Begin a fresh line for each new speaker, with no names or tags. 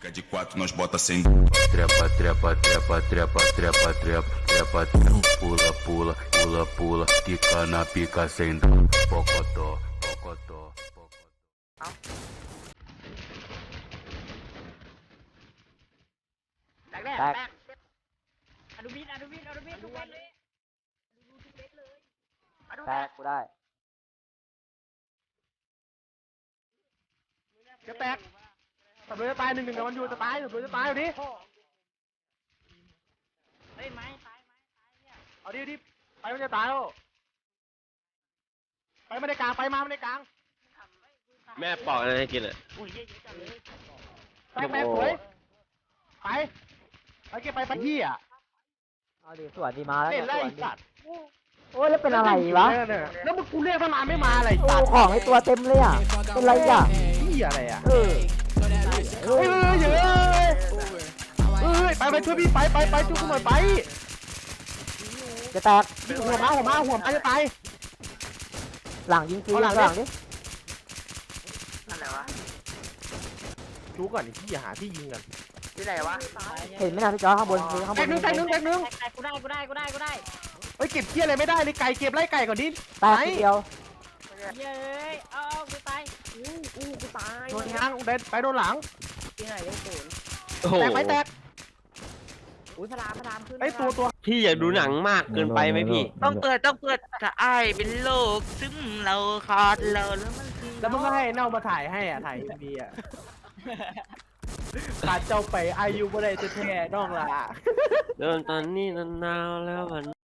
Fica de quatro, nós bota sem.
Trepa, trepa, trepa, trepa, trepa, trepa, trepa, pula, pula, pula, pula, quica na pica sem dó, pocotó, pocotó, pocotó.
แตกแน่
แตก
แตกอนุบินทุกเม็ดเลยทุกเม็ดเลยอนุ
แตกกูได้
จะแตกสับเลยจะตาย1-1กับมันอยู่จะตายสับเลยจะตายเอาดิ
เฮ้ยไม้ตายเนี่ย
เอาดิไปมันจะตายแล้วไปมาในกลางไปมาในกลาง
แม่ปอกอะไรให้กินอ่ะ
อุ้ยเยอะจังเลย
แตกสวยไปเก็บไปที่อ่ะ
เอาดิสวนดีมาแล้ว
เล่นไล่
สวนดิ
สัตว์
โอ้ยแล้วเป็นอะไรวะ
แล้วมึงกูเรียกตั้งนานไม่มาอะไร
โอ้
สัตว์
ของไอตัวเต็มเลยอ่ะเป็นไรอ่ะ
ที่อะไรอ่ะ
เออ
เฮ้ยไปช่วยพี่ไปช่วยกูหน่อยไป
จะแตก
หัวมาจะตาย
หลังยิงฟรี
เอาหลัง
หลังดิ
อะไรวะ
ดูก่อนที่อย่าหาที่ยิงกัน
ที่ไหนวะ
เห็นไหมนะพี่จอข้างบนคือข้างบ
แต
น
กหนึ่ง
แตกกูได้
เฮ้ยเก็บเที่ยอะไรไม่ได้เลยไก่เก็บไล่ไก่ก่อนดิ
แตกทีเดียว
เย้ยเอากูตายกูตาย
โดนทางไปโดนหลัง
ที่ไหนยังศูนย์
โอ้โห
แตก
อุ้ยพลามขึ้น
ไอ้ตัว
พี่อยากดูหนังมากเกินไปไหมพี่
ต้องเปิดถ้าไอ้เป็นโลกซึ่งเราขาดเราแล้วมันคือ
แล้วมึงก็ให้เน่ามาถ่ายให้อ่ะถ่ายดีอ่ะขาดเจ้าไปอายุบ่ได้แท้ๆน้องล่ะ
เดินตอนนี้นานๆแล้วมัน